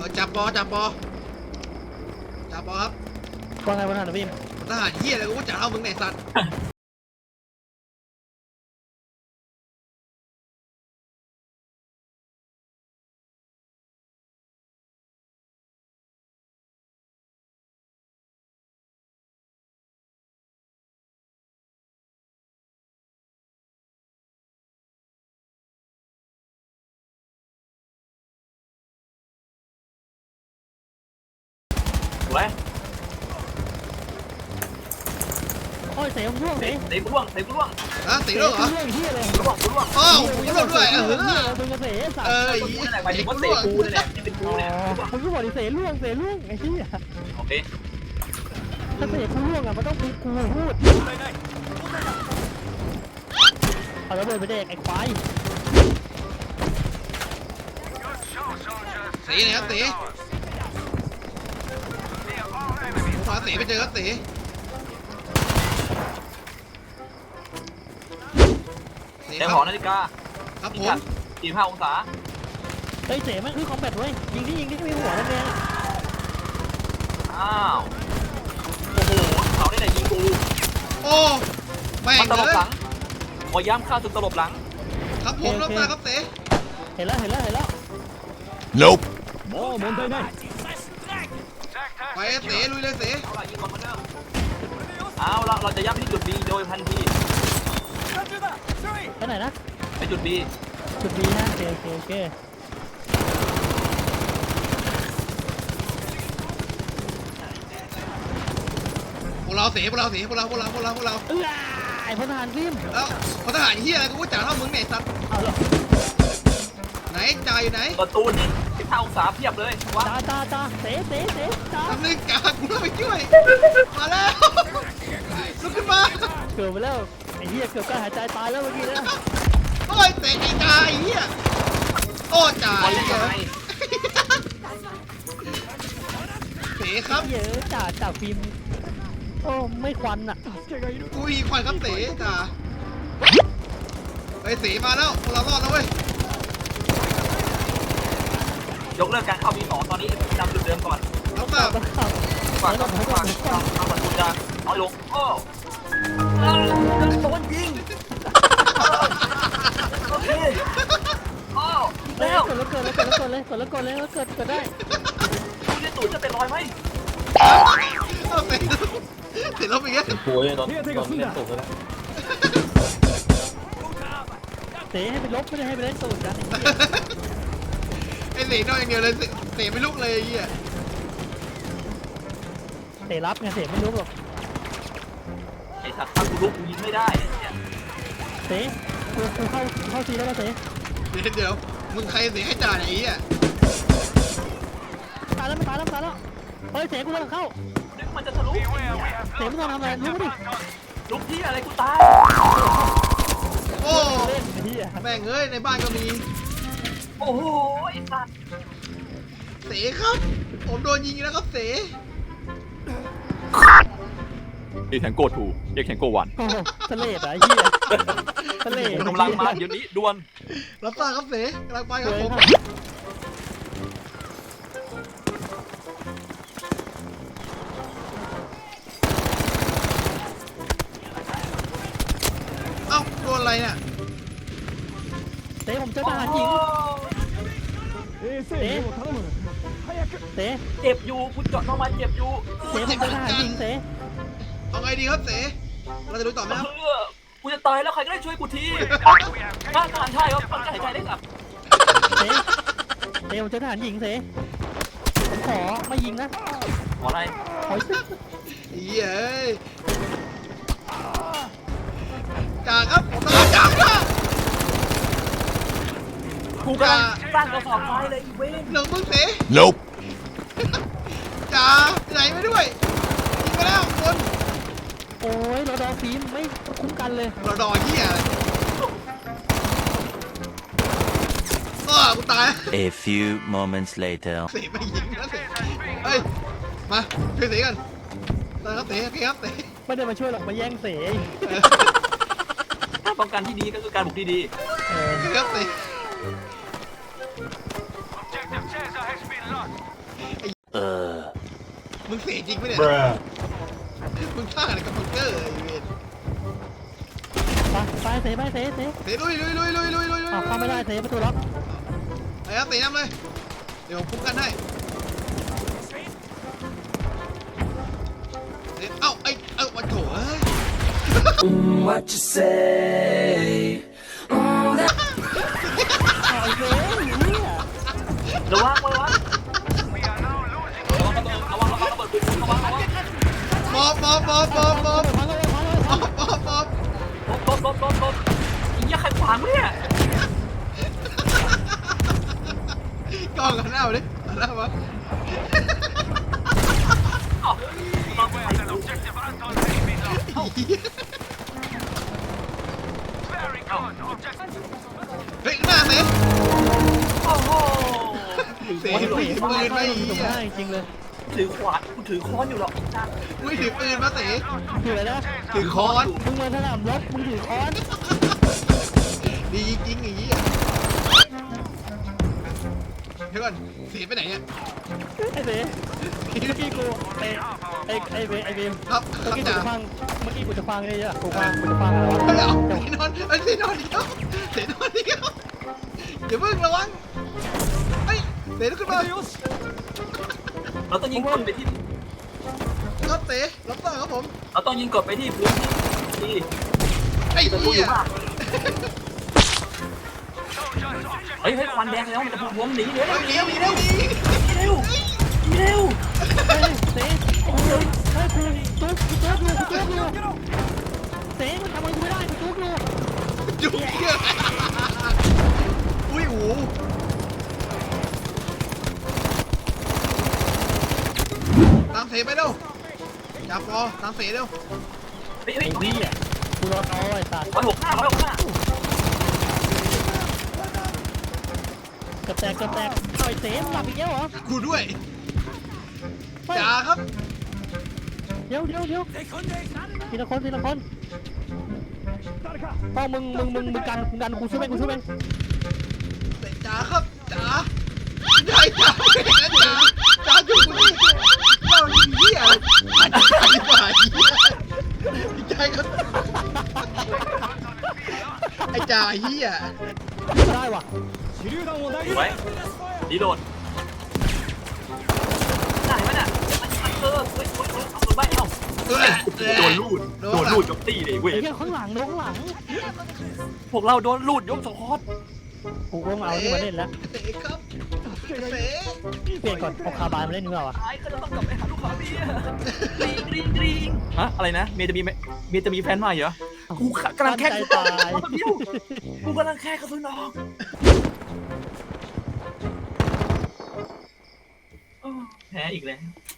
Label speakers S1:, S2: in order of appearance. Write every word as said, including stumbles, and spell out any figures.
S1: อจับปอจับปอจับปอครับ
S2: ว่าไงวะท่านพี่
S1: ทหารเหี้ยอะไรกูจะเอามึงไหนสัตว์
S3: ไว้
S2: โอ้ยเสียงร่วง
S3: เตะ
S2: เสีย
S3: เตะกูร่วงเตะกูร่วง
S1: นะตีด้วยเหรอ
S2: ร่วงเฮียเลย
S3: กูร่วงกูร่วง
S1: อ้าวกูร่วงด้วยเออ
S2: มึงกระเสสัต
S1: เอ
S2: ว์
S1: อ
S3: กู
S1: ไอ้
S3: นั่นแหละหมายถึงว่า
S1: กู
S3: เตะ
S1: ร่วง
S3: กูนั่นแหละไม่เป็นกูเนี่ย
S2: มึงก็บอกดิเสร่วงเสร่วงไอ้เหี้ย
S3: โอเค
S2: ถ้าเสกูร่วงอ่ะมันต้องกูกูพูดเอาระเบิดไปเด็กไอ้ควาย
S1: ตีเลยครับตีขวาตีไปเจอครับตี
S3: แต่หอนาฬิกา
S1: ครับผ
S3: พิ
S1: ม
S3: กัดสี่สิบห้าองศา
S2: เฮ้ยเสมันคือคอมแบทเว้ยยิงที่ยิงที่มีหัวนั่นเอง
S3: อ้าวโอ้โหเขาได้ไหนยิงกู
S1: โอ้แม่ง
S3: มันตล
S1: เล
S3: บ
S1: ย
S3: หลังขอย้ำข้าศึกตลบหลัง
S1: ครับผมรับตาครับตี
S2: เห็นแล้วเห็นแล้วเห็นแล้ว
S4: Nope.
S2: โอ้มนได้ไง
S1: ไปตีลุยเลยตี
S3: เอาละยิงก่อนเหมือนเดิมเอาละเราจะย้ำที่จุด B โดยทันที
S2: ไปไหนนะ
S3: ไปจุด B
S2: จุดดีนะโอเคโอเคโอเค
S1: พวกเราตีพวกเราตีพวกเราพวกเราพวกเราพวกเรา
S2: เออไอ้พลทหารฟิล์ม
S1: แล้วพลทหารเหี้ยอะไรกูจะเอามึงไหนสัตว์
S2: เอาละ
S1: ไหนจ่ายอยู่ไหน
S3: ประตูนี่สิบห้าองศาเพียบเลยว่า
S2: ตาตาตาเสเสเสตา
S1: ทำนึงกากูต้องไปช่วยมาแล้วลุกขึ้นมา
S2: เกือบไปแล้วไอ้เหี้ยเกือบการหายใจตายแล้วเมื่อกี้นะ
S1: โอ้ยเตะไอ้กาไอ้เหี้ยโอ้จ่า
S3: บอล
S1: ย
S3: เล่นยังไง
S1: เตะครับ
S2: เยอะจ่าจ่าฟิล์มโอ้ไม่ควันอ่ะ
S1: กูอีควันครับเตะจ่าไปเตะมาแล้วพวกเรารอดแล้วเว้ย
S3: ยกเลิกการเข้า B สองตอนนี้จำจุดเดิมก่อน
S1: รับทราบ
S3: กว่าจะกว่าความความมันจะน้อยลงโอ้โดนยิงโอเคโอ้
S2: เฮ้ย
S3: แล้ว
S2: กดแล้วเกิดแล้วเกิดแล้วเกิดเลยกดแล้วเกิดเลยแล้วเกิดเกิดได้
S3: คุณจะตู่จะเป็นรอยไหม
S1: เอาเตะเตะลบอีกแล้ว
S5: โอ้ยตอนตอนเล่นตกแล้ว
S2: เตะให้ไปลบไม่ได้ให้ไปเล่นตูดกัน
S1: ไอ้เตะนอกอย่างเดียวเลยเตะไม่ลุกเลยไอ้เหี้ย
S2: เตะรับไงเตะไม่รู้หรอก
S3: ไอ้สัตว์ถ้ากูลุกกูยิงไม่ได้
S2: เตะกูกูเข้าเข้าซีแล้วนะเตะ
S1: เดี๋ยวเดี๋ยวมึงใครเตะให้จ่าไหนไอ้เหี้ย
S2: ตายแล้วไม่ตายแล้วตายแล้วเฮ้ยเตะกูกำลังเข้า
S3: นึกมันจะทะลุ
S2: เตะมึงต้องทำอะไรรู้ดิ
S3: ลุกที่อะไรกูตาย
S1: โอ้
S2: เล่นไอ้เหี้ย
S1: แม่งเอ้ยในบ้านก็มี
S3: โอ้โหไอ้สัตว์
S1: เตะครับผมโดนยิงแล้วครับเตะ
S5: เอ็กแทงโกทูเอ็กแทงโกวัน
S2: โอ้โหทะเลอ่ะไอ้เหี้ยทะเล
S3: กำลังมาเดี๋ยวนี้ด่วน
S1: รับทราบครับเตะกำลังไปครับผมเอ้าโดนอะไรเนี่ย
S2: เตะผมเจอทหารหญิงเตะเตะ
S3: เจ็บอยู่กูเจาะเข้ามาเจ็บอยู่
S2: เตะผมเจอทหารหญิงเตะ
S1: เอาไงดีครับเต๋เราจะดูต่อไหมครับ
S3: เออกูจะตายแล้วใครก็ได้ช่วยกูทีถ้าทหารชายครับมันจะหายใจได้กลับ
S2: เตะเตะผมเจอทหารหญิงเตะผมขอไม่ยิงนะ
S3: ขออะไร
S2: ขอ
S1: เย้ยจ่าครับผมต้องจ่าครับ
S3: กูกำลังสร้างกระสอบทรายเลยอีเวน
S1: หนึ่งมึงเต๋
S4: Nope.
S1: จ่าไหนไปด้วยยิงไปแล้วคน
S2: โอ้ยเราดอฟิล์มไม่คุ้มกันเลย
S1: เราดอเหี้ยอะไรก็กูตาย
S6: A few moments later.
S1: เต๋ไม่ยิงนะเต๋เฮ้ยมาช่วยเต๋กันตายครับเต๋โอเคครับเต๋
S2: ไม่ได้มาช่วยหรอกมาแย่งเสย
S3: ถ้าป้องกันที่ดีก็คือการบุกที่ดี
S2: เออ
S1: โอเคครับเต๋จริงไหมเนี่ย
S3: Bruh
S1: มึงฆ่าอะไรกับบังเกอร์ไอ้เวร
S2: ไปไปเสไปเสเส
S1: เตะลุยลุยลุยลุยลุยลุยลุย
S2: อ้าวเข้าไม่ได้เสประตูล็อก
S1: ไอ้ครับเตะน้ำเลยเดี๋ยวผมคุ้มกันให้เตะเอ้าไอ้เอ้าวันโถเอ้ย
S4: What you say?
S2: เอาไอ้เสเนี่ย
S3: ระวังระวังระวังระเบิดระวังระวังระเบิดปืนระวังระวัง
S1: มอบมอบมอบมอบมอบ
S2: พังเลยพังเลย
S1: มอบมอบมอบ
S3: ลบลบลบลบลบไอ้เหี้ยใครขวางเนี่ย
S1: กล้องกันหน้ามาดิหันหน้ามา
S3: อ้าวต้องไปดู
S1: เฮ้ยหน้าเตะ
S3: โอ้โห
S1: เตะไม่ถือปืนไม่
S2: ถูก
S1: เหี้ย
S2: ได้จริงเลย
S3: ถือขวานกูถือค้อนอยู่หรอก
S1: ไม่ถือปืนมาเตะ
S2: ถืออะไรนะ
S1: ถือค้อน
S2: มึงมาสนามรบมึงถือค้อน
S1: ดีจริงอย่างนี้อ่ะเดี๋ยวก่อนเสียไปไหนเนี่ย
S2: ไอ้เสเมื่อกี้กูไอ้ไอ้ไอ้เบไอ้เบม
S1: ครับค
S2: เมื่อ
S1: รับ
S2: กี้กู
S1: จ่า
S2: จะฟังเมื่อกี้กูจะฟังไอ้เนี่ยกูฟังกูจะฟังอะไรวะ
S1: เฮ้ยเอาเสียนอนเฮ้ยเสียนอนเดียวเสียนอนเดียวอย่าเพิ่งระวังเฮ้ยเสียลุกขึ้นมา
S3: เราต้องยิงกดไปที่
S1: ครับเสียรับต่อครับผม
S3: เราต้องยิงกดไปที่พื้นที่
S1: ไอ้
S3: จะพูดอ
S1: เหี้ย
S3: ยู่ว่าเฮ้ยเฮ้ยควันแดงแล้วมันจะพุ่งหนีเร็ว
S1: เฮ้ย
S3: ห
S1: ห
S3: นี
S1: นี
S3: เร็ว
S1: ห
S3: ห
S1: นี
S3: นี
S1: เร็
S3: เร็
S1: ว
S3: ว
S1: หนี
S3: หนีเร็วหนีเร็ว
S2: เฮ้ยเสโอ้โหเฮ้ยกูตุ๊กกูตุ๊กอยู่กูตุ๊กอยู่เสมันทำอะไรกูไม่ได้กูตุ๊กอยู่
S1: จุกเหี้ยอุ้ยโอ้ตามเสียไปเร็วจับพอตามเสียเร็ว
S3: เฮ้ยเฮ้
S2: ไอ้
S3: ย
S2: เหี้ยกูรอเอาไอ้สัตว์
S3: ร้อยหกห้าร้อยหกห้า
S2: กระแตกกระแตกเอาไอ้เสมหลับอีกแล้วเหรอ
S1: กูด้วย
S2: เฮ้ย
S1: จ่าครับ
S2: เดี๋ยวเดี๋ยวเดี๋ยวทีละคนทีละคนต้องมึงมึงมึงมึงกันมึงกันกูช่วยเองกูช่วยเอง
S1: จ๋าครับจ๋าใช่จ๋าไม่เห็นนะจ๋าจ๋าจุกกูนี่เจ้าเหี้ยอะไรจ๋าดีกว่าเหี้ยใจครับไอ้จ่าเหี้ย
S2: ได้ว่ะ
S3: ไว้ดีโดดไหนวะเนี่ยเออเฮ้ยเฮ้ยเฮ้ยเอาตัวใบเอา
S1: เออ
S5: โดนลูด โดนลูดยกตีเลยเว้ย
S2: ไอ้เหี้ยข้างหลังโดนข้างหลัง
S5: พวกเราโดนลูดยกสควอต
S2: กูก็มาเอาที่มาเล่นแล้ว
S1: เตะครับเตะ
S2: เปลี่ยนก่อนเอาคาบายมาเล่นดีกว่าวะ
S3: ตายก็จะต้องกลับไปหาลูกค้าเมียกรี๊งกรี๊งกรี๊ง
S5: ฮะอะไรนะเมียจะมีไหมเมียจะมีแฟนใหม่เหรอกูกำลังแค่
S2: ใจตาย
S3: กูกำลังแค่กระสุนออกแพ้อีกแล้ว